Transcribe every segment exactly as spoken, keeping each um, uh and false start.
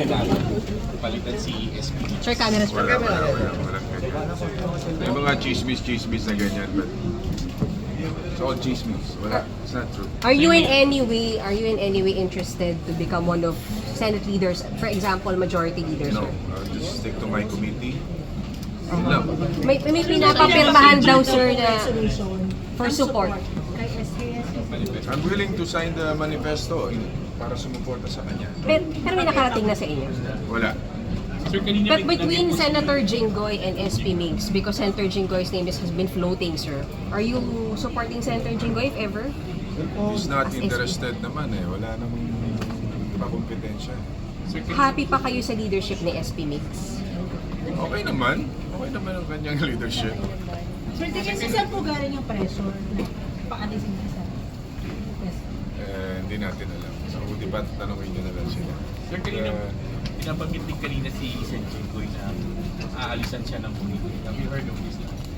Senado. Palitan si S P. Sir, cameras po. Wala, wala, wala. Walang ganyan. May mga chismis-chismis na ganyan, but it's all chismis. Wala, it's not true. Are you in any way, are you in any way interested to become one of Senate leaders? For example, majority leaders, No, sir? I'll just stick to my committee. Yun lang. May, may pinapapirmahan daw, sir, na for support. Kay S K S. I'm willing to sign the manifesto in, para sumuporta sa kanya. Pero, pero may nakarating na sa inyo. Wala. Sir, kanina But between Senator Jinggoy and S P Migs, because Senator Jinggoy's name is, has been floating, sir, are you supporting Senator Jinggoy if ever? He's not As S P. interested naman eh. Wala namang pakompetensya. Sir, kanina, Happy pa kayo sa leadership ni S P Migs? Okay naman. Okay naman ang kanyang leadership. Sir, tingin sa saan po galing yung pressure na paalisin niya sa Yes. Eh, hindi natin alam. So, di ba tanongin nyo na lang sila. Sir, kanina, Eh, pinabanggit din kanina si Sen Jinggoy na aalisan siya ng committee. Have you heard of this?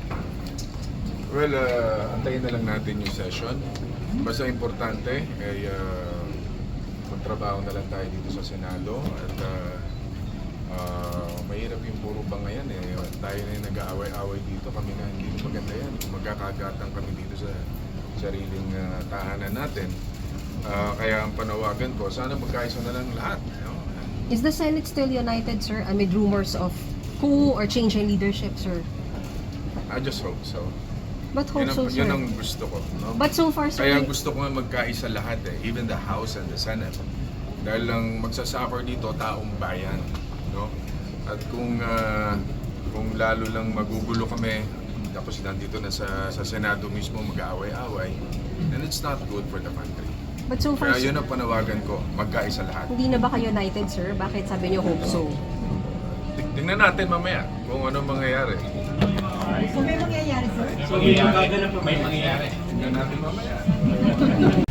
well, uh, antayin na lang natin yung session. Basta importante, ay uh, magtrabaho na lang tayo dito sa Senado. At uh, uh, mahirap yung puro bangayan eh. Tayo na yung nag-aaway-aaway dito. Kami na hindi maganda yan. Kung magkakagatan kami dito sa sariling uh, tahanan natin. Uh, kaya ang panawagan ko, sana magkaisa na lang lahat. You know? Is the Senate still united, sir, amid rumors of coup or change in leadership, sir? I just hope so. But hope Yun ang, so, sir. yun ang gusto ko. No? But so far, sir, Kaya gusto ko nga magkaisa lahat eh, even the House and the Senate. Dahil lang magsasuffer dito taong bayan, no? At kung ah, kung lalo lang magugulo kami, tapos nandito na sa sa Senado mismo mag-aaway-away, then it's not good for the country. but so far, Kaya sir, yun ang panawagan ko, magkaisa lahat. hindi na ba kayo united, sir? Bakit sabi niyo hope so? Ting- Tingnan natin mamaya kung ano mangyayari. Kung may mangyayari, sir. So, may mangyayari. Tingnan natin mamaya.